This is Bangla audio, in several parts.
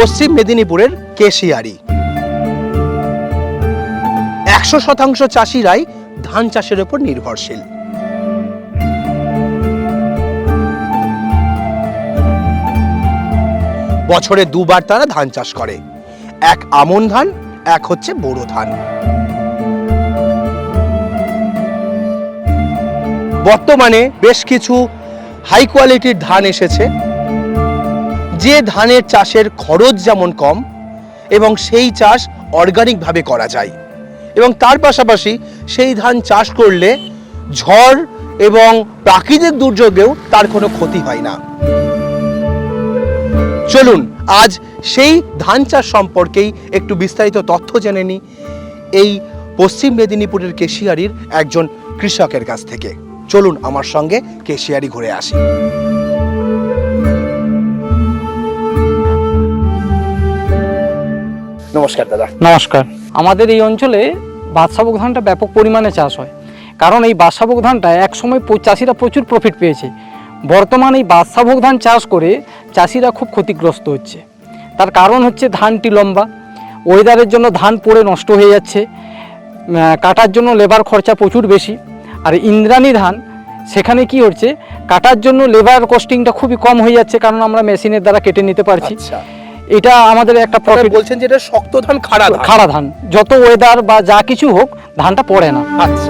পশ্চিম মেদিনীপুরের কেশিয়ারি। 100% চাষিরাই ধান চাষের উপর নির্ভরশীল। বছরে দুবার তারা ধান চাষ করে, এক আমন ধান, এক হচ্ছে বোরো ধান। বর্তমানে বেশ কিছু হাই কোয়ালিটির ধান এসেছে, যে ধানের চাষের খরচ যেমন কম এবং সেই চাষ অর্গানিকভাবে করা যায়, এবং তার পাশাপাশি সেই ধান চাষ করলে ঝড় এবং প্রাকৃতিক দুর্যোগেও তার কোনো ক্ষতি হয় না। চলুন আজ সেই ধান চাষ সম্পর্কেই একটু বিস্তারিত তথ্য জেনে নিই এই পশ্চিম মেদিনীপুরের কেশিয়ারির একজন কৃষকের কাছ থেকে। চলুন আমার সঙ্গে কেশিয়ারি ঘুরে আসি। নমস্কার দাদা। নমস্কার। আমাদের এই অঞ্চলে বাদশাভোগ ধানটা ব্যাপক পরিমাণে চাষ হয়, কারণ এই বাদশাভোগ ধানটা একসময় চাষিরা প্রচুর প্রফিট পেয়েছে। বর্তমানে এই বাদশাভোগ ধান চাষ করে চাষিরা খুব ক্ষতিগ্রস্ত হচ্ছে। তার কারণ হচ্ছে ধানটি লম্বা, ওয়েদারের জন্য ধান পড়ে নষ্ট হয়ে যাচ্ছে, কাটার জন্য লেবার খরচা প্রচুর বেশি। আর ইন্দ্রাণী ধান সেখানে কি হচ্ছে, কাটার জন্য লেবার কস্টিংটা খুবই কম হয়ে যাচ্ছে, কারণ আমরা মেশিনের দ্বারা কেটে নিতে পারছি। এটা আমাদের একটা প্রফিট। বলছেন যেটা শক্ত ধান, খাড়া ধান, যত ওয়েদার বা যা কিছু হোক ধানটা পড়ে না। আচ্ছা।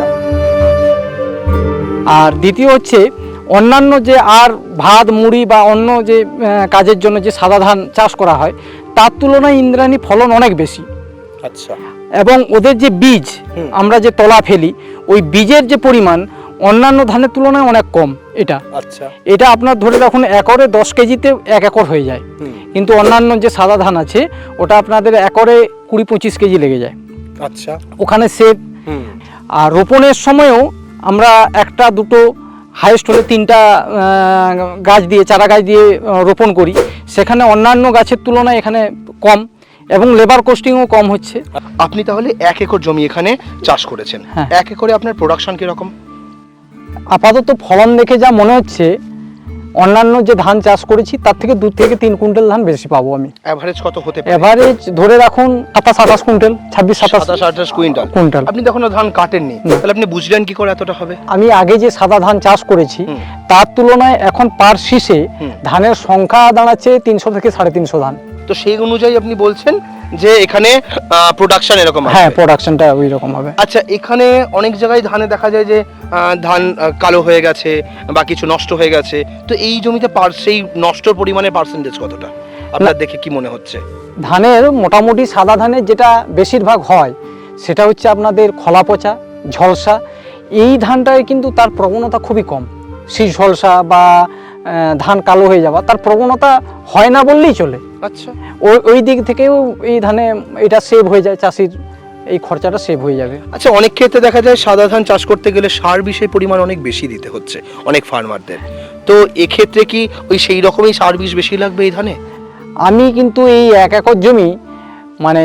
আর দ্বিতীয় হচ্ছে অন্যান্য যে আর ভাত মুড়ি বা অন্য যে কাজের জন্য যে সাদা ধান চাষ করা হয়, তার তুলনায় ইন্দ্রাণী ফলন অনেক বেশি। আচ্ছা। এবং ওদের যে বীজ আমরা যে তলা ফেলি, ওই বীজের যে পরিমাণ অন্যান্য ধানের তুলনায় অনেক কম। এটা আচ্ছা, এটা আপনার ধরে রাখুন একরে 10 কেজিতে 1 একর হয়ে যায়, কিন্তু অন্যান্য যে সাদা ধান আছে ওটা আপনাদের একরে 20-25 কেজি লেগে যায়। আচ্ছা। ওখানে সেভ। আর রোপণের সময়ও আমরা একটা দুটো হাইস্ট হলে 3টা গাছ দিয়ে চারা গাছ দিয়ে রোপণ করি, সেখানে অন্যান্য গাছের তুলনায় এখানে কম এবং লেবার কস্টিংও কম হচ্ছে। আপনি তাহলে 1 একর জমি এখানে চাষ করেছেন। 1 একরে আপনার প্রোডাকশন কিরকম? আপাতত ফলন দেখে যা মনে হচ্ছে অন্যান্য যে ধান চাষ করেছি তার থেকে 2 থেকে 3 কুইন্টাল ধান বেশি পাবো আমি। এভারেজ কত হতে পারে? এভারেজ ধরে রাখুন 27-28 কুইন্টাল, 26-27 কুইন্টাল। আপনি যখন ধান কাটেননি, তাহলে আপনি বুঝলেন কি করে এতটা হবে? আমি আগে যে সাদা ধান চাষ করেছি তার তুলনায় এখন পার শীষে ধানের সংখ্যা দাঁড়াচ্ছে 300 থেকে 350 ধান। তো সেই অনুযায়ী আপনি বলছেন যে এখানে প্রোডাকশন এরকম হবে? হ্যাঁ, প্রোডাকশনটা ওই রকম হবে। আচ্ছা, এখানে অনেক জায়গায় ধানে দেখা যায় যে ধান কালো হয়ে গেছে বা কিছু নষ্ট হয়ে গেছে, তো এই জমিতে সেই নষ্টর পরিমাণের পার্সেন্টেজ কতটা আপনার দেখে কি মনে হচ্ছে? ধানের মোটামুটি সাদা ধানের যেটা বেশিরভাগ হয় সেটা হচ্ছে আপনাদের খোলা পচা, ঝলসা। এই ধানটায় কিন্তু তার প্রবণতা খুবই কম। শীষ ঝলসা বা ধান কালো হয়ে যাওয়া তার প্রবণতা হয় না বললেই চলে। আচ্ছা। ওই দিক থেকেও এই ধানে এটা সেভ হয়ে যায়, চাষির এই খরচাটা সেভ হয়ে যাবে। আচ্ছা, অনেক ক্ষেত্রে দেখা যায় সাদা ধান চাষ করতে গেলে সার বিষের পরিমাণ অনেক বেশি দিতে হচ্ছে অনেক ফার্মারদের, তো এক্ষেত্রে কি ওই সেই রকমই সার বিষ বেশি লাগবে এই ধানে? আমি কিন্তু এই 1 একর জমি মানে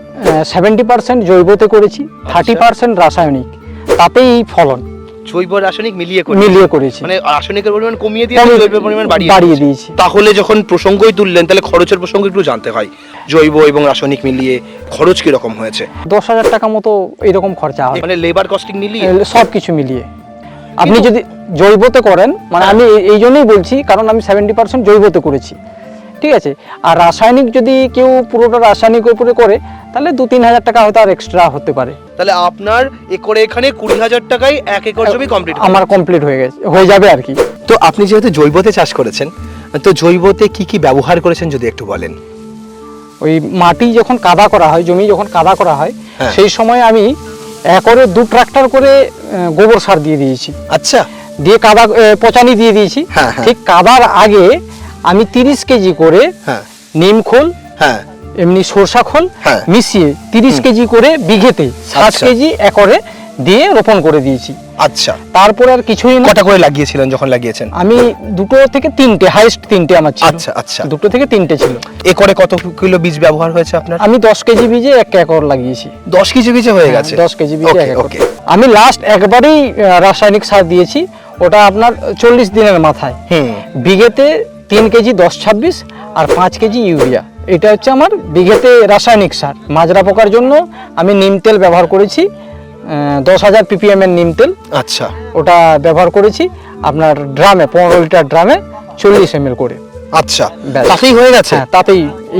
70% জৈবতে করেছি, 30% রাসায়নিক, তাতেই এই ফলন। জৈব রাসায়নিক মিলিয়ে করেছি, মানে রাসায়নিকের পরিমাণ কমিয়ে দিয়ে জৈবের পরিমাণ বাড়িয়ে দিয়েছি। তাহলে যখন প্রসঙ্গই তুললেন, তাহলে খরচের প্রসঙ্গ একটু জানতে হয়। জৈব এবং রাসায়নিক মিলিয়ে খরচ কি রকম হয়েছে? 10,000 টাকা মতো এরকম খরচা হয়, মানে লেবার কস্টিং মিলিয়ে সব কিছু মিলিয়ে। আপনি যদি জৈবতে করেন, মানে আমি এই জন্যই বলছি কারণ আমি 70% জৈবতে করেছি, ঠিক আছে। আর রাসায়নিক যদি কেউ পুরোটা রাসায়নিকের উপরে করে তাহলে 2-3 হাজার টাকা হয়তো আর এক্সট্রা হতে পারে। তাহলে আপনার একরে এখানে 20,000 টাকায় 1 একর জমি কমপ্লিট আমার কমপ্লিট হয়ে যাবে আর কি। তো আপনি যেহেতু জৈবতে চাষ করেছেন, তো জৈবতে কি কি ব্যবহার করেছেন যদি একটু বলেন? ওই মাটি যখন কাদা করা হয়, জমি যখন কাদা করা হয়, সেই সময় আমি একরে 2 ট্রাক্টর করে গোবর সার দিয়ে দিয়েছি। আচ্ছা। দিয়ে কাদা পচানি দিয়ে দিয়েছি। ঠিক কাদার আগে আমি 30 কেজি করে নিম খোল, এমনি সরষা খোল মিশিয়ে 30 কেজি করে বিঘেতে 60 কেজি একরে দিয়ে রোপণ করে দিয়েছি। আচ্ছা। তারপর আর কিছুই না। কটা করে লাগিয়েছিলেন যখন লাগিয়েছেন? আমি 2 থেকে 3টে, হাইস্ট 3টে আমার ছিল। আচ্ছা আচ্ছা। 2 থেকে 3টে ছিল। একরে কত কিলো বীজ ব্যবহার হয়েছে আপনার? আমি 10 কেজি বীজে 1 একর লাগিয়েছি। 10 কেজি বীজে হয়ে গেছে? 10 কেজি বীজে 1 একর। আমি লাস্ট একবারই রাসায়নিক সার দিয়েছি, ওটা আপনার 40 দিনের মাথায়। বিঘেতে 3 কেজি 10-26 আর 5 কেজি ইউরিয়া, এটা হচ্ছে আমার বিঘেতে রাসায়নিক সার। মাজরা পোকার জন্য আমি নিম তেল ব্যবহার করেছি, 10,000 ppm এর নিম তেল, আচ্ছা ওটা ব্যবহার করেছি আপনার ড্রামে, 15 লিটার ড্রামে 40 ml করে। আচ্ছা, ব্যাস। তাতেই হয়ে গেছে? হ্যাঁ, তাতেই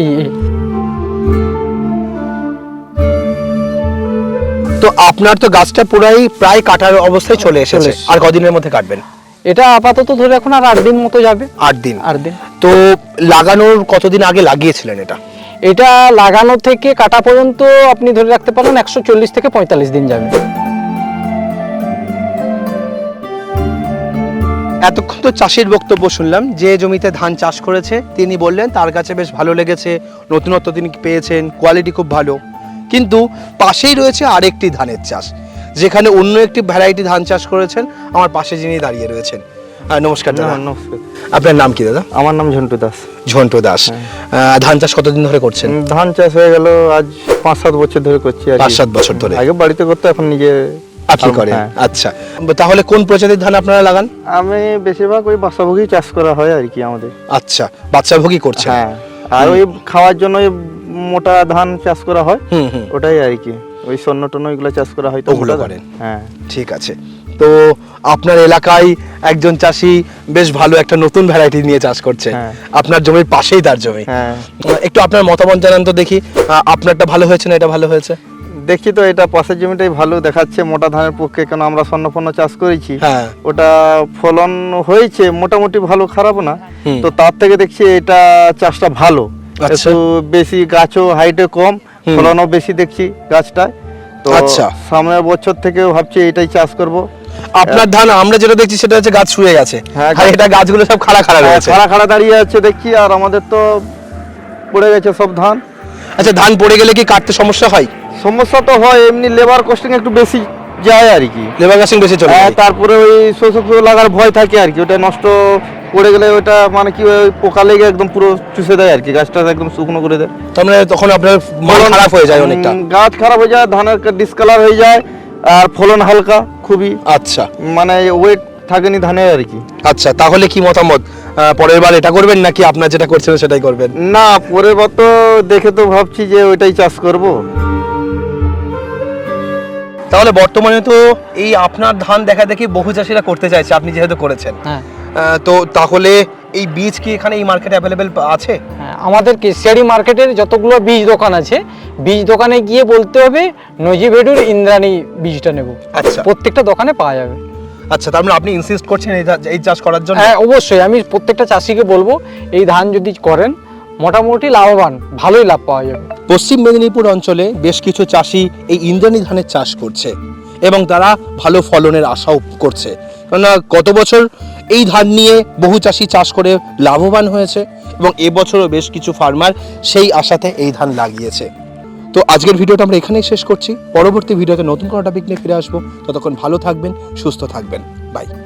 তো আপনার তো গাছটা প্রায় কাটার অবস্থায় চলে এসেছে, আর কদিনের মধ্যে কাটবেন? এটা আপাতত ধরে এখন আর 8 দিন মতো যাবে। 8 দিন? 8 দিন। তো লাগানোর কতদিন আগে লাগিয়েছিলেন এটা? এটা লাগানো থেকে কাটা পর্যন্ত আপনি ধরে রাখতে পারেন 140 থেকে 45 দিন যাবে। এতক্ষণ তো চাষির বক্তব্য শুনলাম, যে জমিতে ধান চাষ করেছে তিনি বললেন তার কাছে বেশ ভালো লেগেছে, নতুনত্ব তিনি পেয়েছেন, কোয়ালিটি খুব ভালো। কিন্তু পাশেই রয়েছে আরেকটি ধানের চাষ, যেখানে অন্য একটি ভ্যারাইটি ধান চাষ করেছেন। আমার পাশে যিনি দাঁড়িয়ে রয়েছেন, নমস্কার দাদা। নমস্কার। আপনার নাম কি দাদা? আমার নাম ঝন্টু দাস। ঝন্টু দাস। ধান চাষ কতদিন ধরে করছেন? ধান চাষ হয়ে গেল আজ 5-7 বছর ধরে করছি। 5-7 বছর ধরে? আগে বাড়িতে করতে, এখন নিজে আপনি করেন? হ্যাঁ। আচ্ছা, তাহলে কোন প্রজাতির ধান আপনারা লাগান? আমি বেশিরভাগ ওই বাসাভোগী চাষ করা হয় আর কি আমাদের। আচ্ছা, বাচ্চাভোগী করছেন? হ্যাঁ, আর ওই খাওয়ার জন্য ওই মোটা ধান চাষ করা হয়, হুম হুম, ওটাই আর কি। ওই স্বর্ণ টন্ন ওইগুলো চাষ করা হয়, তো ওগুলো মোটা ধান। করেন? হ্যাঁ, ঠিক আছে। তো আপনার এলাকায় একজন চাষি বেশ ভালো একটা নতুন ভ্যারাইটি নিয়ে চাষ করছে, হ্যাঁ। আপনার জমির পাশেই তার জমি। হ্যাঁ। একটু আপনার মতামত জানান তো দেখি, আপনারটা ভালো হয়েছে না এটা ভালো হয়েছে? দেখছি তো এটা পাশের জমিটাই ভালো দেখাচ্ছে মোটা ধানের পক্ষে, কেন আমরা স্বর্ণপন্ন চাষ করেছি। হ্যাঁ। ওটা ফলন হয়েছে মোটামুটি ভালো, খারাপ না। হুম। তো তার থেকে দেখছি এটা চাষটা ভালো, আচ্ছা। একটু বেশি, গাছও হাইটে কম, ফলনও বেশি দেখছি গাছটায়। তো আচ্ছা। সামনের বছর থেকে ভাবছি এটাই চাষ করব। আপনার ধান আমরা যেটা দেখছি সেটা হচ্ছে গাছ শুয়ে গেছে, হ্যাঁ, আর এটা গাছগুলো সব খাড়া খাড়া রয়েছে। খাড়া খাড়া দাঁড়িয়ে আছে দেখছি, আর আমাদের তো পড়ে গেছে সব ধান। আচ্ছা, ধান পড়ে গেলে কি কাটতে সমস্যা হয়? সমস্যা তো হয়, এমনি লেবার কস্টিং একটু বেশি যায় আর কি। লেবার গাছিং বেশি চলে যায়। তারপরে ওই শোষক লাগার ভয় থাকে আর কি, ওটা নষ্ট পড়ে গেলে ওটা মানে কি ওই পোকা লেগে একদম পুরো চুষে দেয় আর কি, গাছটা একদম শুকনো করে দেয়। তার মানে তখন আপনার মাল খারাপ হয়ে যায় অনেকটা? গাছ খারাপ হয়ে যায়, ধানের ডিসকালার হয়ে যায়, আর ফলন হালকা খুবই, আচ্ছা, মানে ওয়েট থাকেনি ধানের আর কি। আচ্ছা, তাহলে কি মতামত, পরের বার এটা করবেন নাকি আপনার যেটা করছেন সেটাই করবেন? না, পরের বার তো দেখে তো ভাবছি যে ওইটাই চাষ করব। তাহলে বর্তমানে তো এই আপনার ধান দেখা দেখি বহু চাষিরা করতে চাইছে, আপনি যেহেতু করেছেন। হ্যাঁ, তো তাহলে এই বীজ কি এখানে এই মার্কেটে অ্যাভেলেবেল আছে? হ্যাঁ, আমাদের কেশিয়ারি মার্কেটের যতগুলো বীজ দোকান আছে, বীজ দোকানে গিয়ে বলতে হবে নজিভেডুর ইন্দ্রাণী বীজটা নেব। আচ্ছা। প্রত্যেকটা দোকানে পাওয়া যাবে। আচ্ছা, তার মানে আপনি ইনসিস্ট করছেন এই চাষ করার জন্য? হ্যাঁ, অবশ্যই আমি প্রত্যেকটা চাষিকে বলবো এই ধান যদি করেন মোটামুটি লাভবান, ভালোই লাভ পাওয়া যাবে। পশ্চিম মেদিনীপুর অঞ্চলে বেশ কিছু চাষি এই ইন্দ্রাণী ধানের চাষ করছে এবং তারা ভালো ফলনের আশাও করছে, কেননা গত বছর এই ধান নিয়ে বহু চাষি চাষ করে লাভবান হয়েছে এবং এবছরও বেশ কিছু ফার্মার সেই আশাতে এই ধান লাগিয়েছে। তো আজকের ভিডিওটা আমরা এখানেই শেষ করছি। পরবর্তী ভিডিওতে নতুন কোনো টপিক নিয়ে ফিরে আসবো। ততক্ষণ ভালো থাকবেন, সুস্থ থাকবেন। বাই।